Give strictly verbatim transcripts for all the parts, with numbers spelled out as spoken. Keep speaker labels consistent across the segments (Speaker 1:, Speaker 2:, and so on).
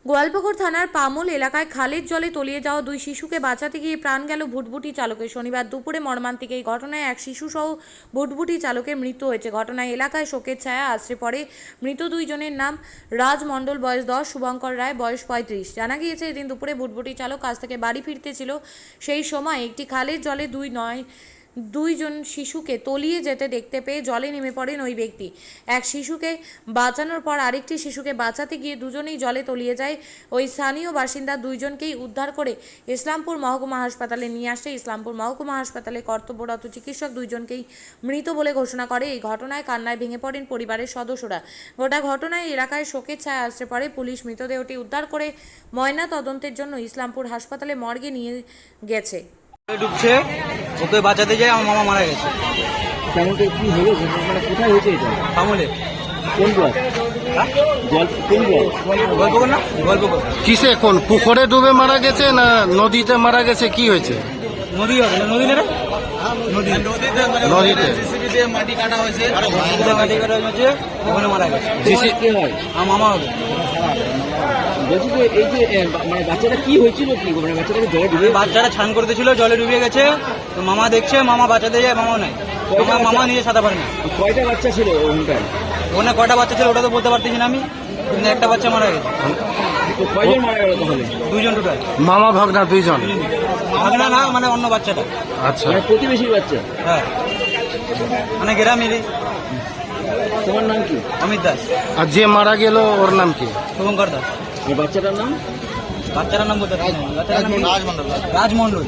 Speaker 1: গোয়ালপুকুর থানার পামুল এলাকায় খালের জলে তলিয়ে যাওয়া দুই শিশুকে বাঁচাতে গিয়ে প্রাণ গেল ভুটভুটি চালকের। শনিবার দুপুরে মর্মান্তিক এই ঘটনায় এক শিশুসহ ভুটভুটি চালকের মৃত্যু হয়েছে। ঘটনায় এলাকায় শোকের ছায়া আছড়ে পড়ে। মৃত দুইজনের নাম রাজ মণ্ডল বয়স দশ, শুভঙ্কর রায় বয়স পঁয়ত্রিশ। জানা গিয়েছে এদিন দুপুরে ভুটভুটি চালক কাজ থেকে বাড়ি ফিরতেছিল। সেই সময় একটি খালের জলে দুই নয় দুইজন শিশুকে তলিয়ে যেতে দেখতে পেয়ে জলে নেমে পড়েন ওই ব্যক্তি। এক শিশুকে বাঁচানোর পর আরেকটি শিশুকে বাঁচাতে গিয়ে দুজনেই জলে তলিয়ে যায়। ওই স্থানীয় বাসিন্দা দুইজনকেই উদ্ধার করে ইসলামপুর মহকুমা হাসপাতালে নিয়ে আসে। ইসলামপুর মহকুমা হাসপাতালে কর্তব্যরত চিকিৎসক দুইজনকেই মৃত বলে ঘোষণা করে। এই ঘটনায় কান্নায় ভেঙে পড়েন পরিবারের সদস্যরা। গোটা ঘটনায় এলাকায় শোকের ছায়া আসতে পারে। পুলিশ মৃতদেহটি উদ্ধার করে ময়না তদন্তের জন্য ইসলামপুর হাসপাতালে মর্গে নিয়ে গেছে।
Speaker 2: ডুবছে, ওকে বাঁচাতে যায় আমার মামা মারা গেছে।
Speaker 3: কেমন করে কি হলো, মানে কোথায় হয়েছে এটা?
Speaker 2: আমলে
Speaker 3: কোন ব্লক?
Speaker 2: হ্যাঁ
Speaker 3: জল কোন ব্লক?
Speaker 2: গল্পকর না গল্পকর
Speaker 4: কিসে, কোন পুকুরে ডুবে মারা গেছে না নদীতে মারা গেছে, কি হয়েছে?
Speaker 2: নদী হবে না, নদী না রে? নদী
Speaker 4: নদীতে
Speaker 2: জেসিবি দিয়ে মাটি কাটা হয়েছে, মাটি কাটা হয়েছে, ওখানে মারা গেছে।
Speaker 3: তোমার কে হয়?
Speaker 2: আমার মামা হবে।
Speaker 3: বলছি যে এই যে এ, বা- মানে বাচ্চাটা কি হয়েছিল, কি মানে বাচ্চাটাকে জলে ডুবে
Speaker 2: বাচ্চারা স্নান করতেছিল, জলে ডুবে গেছে। তো মামা দেখছে, মামা বাঁচাতে যায়, মামাও নাই। মামা মামা নিজে সাঁতার পারে না।
Speaker 3: কয়টা বাচ্চা ছিল ওখানটায়?
Speaker 2: ওখানে কয়টা বাচ্চা ছিল ওটা তো বলতে পারতেছি না আমি, কিন্তু একটা বাচ্চা মারা গেছে।
Speaker 3: তো কয়জন মারা গেল তাহলে?
Speaker 2: দুইজন টোটাল।
Speaker 4: মামা ভাগনা দুইজন?
Speaker 2: ভাগনা না, মানে অন্য বাচ্চাটা।
Speaker 4: আচ্ছা,
Speaker 3: মানে প্রতিবেশীর বাচ্চা?
Speaker 2: হ্যাঁ, মানে গ্রামেরই।
Speaker 3: তোমার নাম কি?
Speaker 2: অমিত দাস।
Speaker 4: আর যে মারা গেল ওর নাম কি?
Speaker 2: শুভঙ্কর দাস।
Speaker 3: আর বাচ্চাটার নাম?
Speaker 2: বাচ্চাটার নাম বলতে পারছি না। বাচ্চাটার নাম রাজমন্ডল। রাজমন্ডল।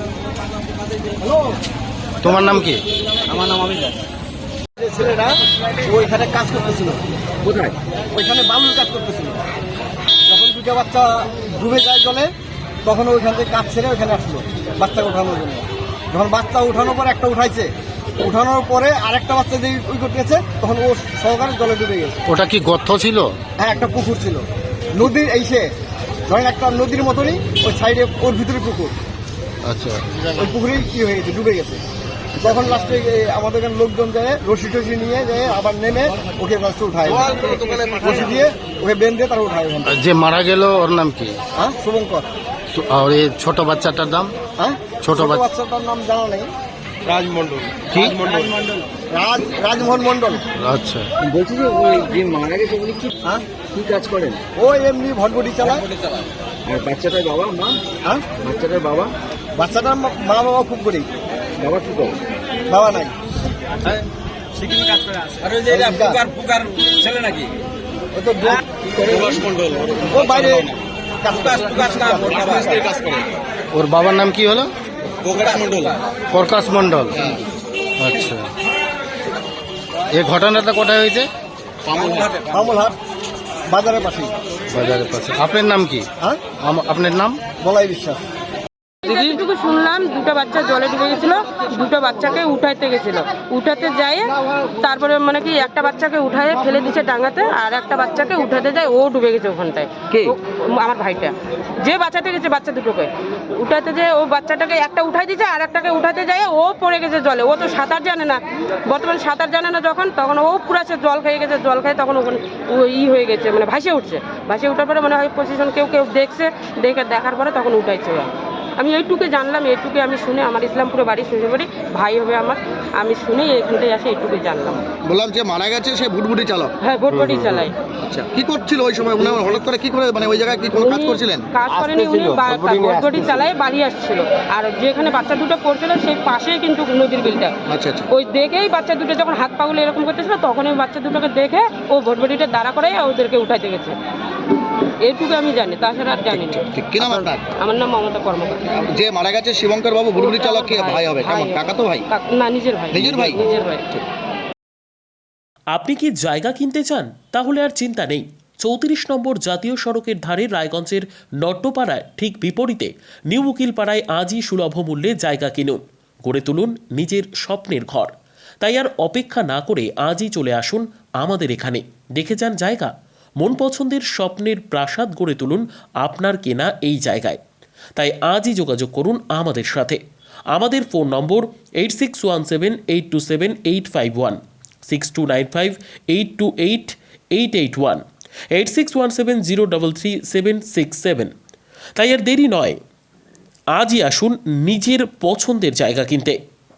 Speaker 4: তোমার নাম কি?
Speaker 2: আমার নাম অমিত দাস।
Speaker 5: ছেলেরা ওইখানে কাজ করতেছিল,
Speaker 3: কোথায়?
Speaker 5: ওইখানে বালুর কাজ করতেছিল। যখন দুটা বাচ্চা ডুবে যায় জলে, তখন ওইখান থেকে কাজ ছেড়ে ওইখানে আসলো বাচ্চা উঠানোর জন্য। যখন বাচ্চা উঠানোর পর একটা উঠাইছে, উঠানোর পরে আরেকটা বাচ্চা যে ওই করতেছে, তখন ও সহকারে জলে ডুবে গেছে।
Speaker 4: ওটা কি গর্ত ছিল?
Speaker 5: হ্যাঁ, একটা পুকুর ছিল নদীর, এই সে ধরেন একটা নদীর মতনই, ওই সাইডে ওর ভিতরে পুকুর।
Speaker 4: আচ্ছা,
Speaker 5: ওই পুকুরেই কি হয়ে গেছে, ডুবে গেছে। তখন লাস্টে আমাদের এখানে লোকজন যায়, রশি টসি নিয়ে যায়, আবার নেমে ওকে লাস্টে উঠায়, রশি দিয়ে ওকে বেঁধে তারা উঠায় ওখান থেকে।
Speaker 4: আর যে মারা গেল ওর নাম কি?
Speaker 5: হ্যাঁ, শুভঙ্কর।
Speaker 4: আর এই ছোট বাচ্চাটার নাম?
Speaker 5: হ্যাঁ,
Speaker 4: ছোট বাচ্চা-
Speaker 5: বাচ্চাটার নাম জানা নেই।
Speaker 2: রাজমন্ডল।
Speaker 4: কি?
Speaker 5: রাজ রাজমোহন মন্ডল।
Speaker 4: আচ্ছা,
Speaker 3: বলছি যে ওই যে মারা গেছে উনি কি
Speaker 5: হ্যাঁ,
Speaker 3: কি কাজ করেন?
Speaker 5: ও এমনি ভটভটি চালায়।
Speaker 3: আর বাচ্চাটার বাবা মা?
Speaker 5: হ্যাঁ,
Speaker 3: বাচ্চাটার বাবা?
Speaker 5: বাচ্চাটার মা মা বাবা খুব গরিব,
Speaker 3: বাবা কি করে?
Speaker 5: বাবা নাই।
Speaker 2: ছেলে নাকি?
Speaker 5: ও তো ব্যাগ- ও বাইরে কাজ করে।
Speaker 4: ওর বাবার নাম কি হলো?
Speaker 2: মন্ডল।
Speaker 4: প্রকাশ মণ্ডল। আচ্ছা, এই ঘটনাটা কোথায় হয়েছে?
Speaker 5: মামুলহাট বাজারের পাশে।
Speaker 4: বাজারের পাশে। আপনার নাম কি?
Speaker 5: হ্যাঁ,
Speaker 4: আম- আপনার নাম?
Speaker 5: বলাই বিশ্বাস।
Speaker 6: যেটুকু শুনলাম, দুটো বাচ্চা জলে ডুবে গেছিল, দুটো বাচ্চাকে উঠাইতে গেছিল, উঠাতে যায় তারপরে মানে কি একটা বাচ্চাকে উঠায় ফেলে দিচ্ছে ডাঙাতে, আর একটা বাচ্চাকে উঠাতে যায়, ও ডুবে গেছে ওখানটায়।
Speaker 3: কে?
Speaker 6: ও- আমার ভাইটা যে বাঁচাতে গেছে, বাচ্চা দুটোকে উঠাতে যায়, ও বাচ্চাটাকে একটা উঠাই দিচ্ছে, আর একটাকে উঠাতে যায়, ও পড়ে গেছে জলে। ও তো সাঁতার জানে না, বর্তমানে সাঁতার জানে না যখন, তখন ও পুরো সে জল খেয়ে গেছে, জল খেয়ে তখন ওখানে ও ই হয়ে গেছে, মানে ভাসে উঠছে। ভাসে উঠার পরে মনে হয় পজিশন কেউ কেউ দেখছে, দেখে দেখার পরে তখন উঠাইছে ওরা। আমি এইটুকু জানলাম, এইটুকু আমি শুনে, আমার ইসলামপুরে বাড়ি, শ্বশুর বাড়ি, ভাই হবে আমার, আমি শুনে এইখানটায় আসে এইটুকু জানলাম।
Speaker 5: বললাম যে মারা গেছে সে ভুটভুটি চালক।
Speaker 6: হ্যাঁ, ভোটবটি চালাই।
Speaker 5: আচ্ছা, কি করছিল ওই সময়? উনি হঠাৎ করে কি করে, মানে ওই জায়গায় কি কোনো কাজ
Speaker 6: উনি
Speaker 5: করছিলেন?
Speaker 6: কাজ করেনি, উনি ভোটবটি চালায় বাড়ি আসছিল, আর যেখানে বাচ্চা দুটো পড়ছিল সেই পাশেই কিন্তু নদীর বিলটা।
Speaker 5: আচ্ছা আচ্ছা,
Speaker 6: ওই দেখেই বাচ্চা দুটো যখন হাত পাগুলো এরকম করতেছিল, তখন ওই বাচ্চা দুটোকে দেখে ও ভোটবটিটা দাঁড়া করে ওদেরকে উঠাইতে গেছে। এইটুকু আমি জানি, তাছাড়া আর জানি না।
Speaker 5: ঠিক। কি নাম আপনার?
Speaker 6: আমার নাম মমতা কর্মকার।
Speaker 5: যে মারা গেছে শিবঙ্কর বাবু ভুটভুটি চালক, কি ভাই হবে? কেমন, কাকা তো ভাই?
Speaker 6: কাক- না, নিজের ভাই।
Speaker 5: নিজের ভাই?
Speaker 6: নিজের ভাই।
Speaker 7: আপনি কি জায়গা কিনতে চান? তাহলে আর চিন্তা নেই। চৌত্রিশ নম্বর জাতীয় সড়কের ধারে রায়গঞ্জের নট্টপাড়ায় ঠিক বিপরীতে নিউ উকিলপাড়ায় আজই সুলভ মূল্যে জায়গা কিনুন, গড়ে তুলুন নিজের স্বপ্নের ঘর। তাই আর অপেক্ষা না করে আজই চলে আসুন আমাদের এখানে, দেখে যান জায়গা। মন পছন্দের স্বপ্নের প্রাসাদ গড়ে তুলুন আপনার কেনা এই জায়গায়। তাই আজই যোগাযোগ করুন আমাদের সাথে। আমাদের phone number eight six one seven eight two seven eight five one, six two nine five eight two eight eight eight one. Eight six one seven zero double three seven six seven. তাই আর দেরি নয়, আজই আসুন নিজের পছন্দের জায়গা কিনতে।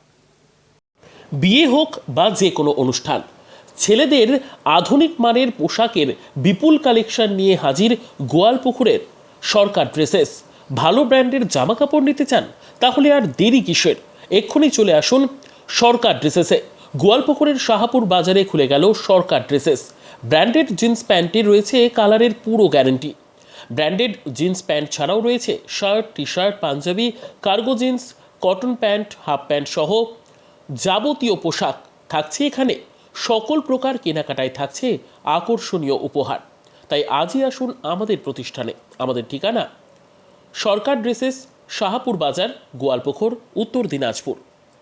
Speaker 7: বিয়ে হোক বা যে কোনো অনুষ্ঠান, ছেলেদের আধুনিক মানের পোশাকের বিপুল কালেকশন নিয়ে হাজির গোয়ালপুকুরের সরকার ড্রেসেস। ভালো ব্র্যান্ডের জামা কাপড় নিতে চান? তাহলে আর দেরি কিসের, এক্ষুনি চলে আসুন সরকার ড্রেসেসে। গোয়ালপুকুরের শাহাপুর বাজারে খুলে গেল সরকার ড্রেসেস। ব্র্যান্ডেড জিন্স প্যান্টে রয়েছে কালারের পুরো গ্যারান্টি। ব্র্যান্ডেড জিন্স প্যান্ট ছাড়াও রয়েছে shirt, T shirt, Punjabi, cargo jeans, cotton pant, half pant সহ যাবতীয় পোশাক থাকছে এখানে। সকল প্রকার কেনাকাটায় থাকছে আকর্ষণীয় উপহার। তাই আজই আসুন আমাদের প্রতিষ্ঠানে। আমাদের ঠিকানা সরকার ড্রেসেস, শাহাপুর বাজার, গোয়ালপুকুর, উত্তর দিনাজপুর।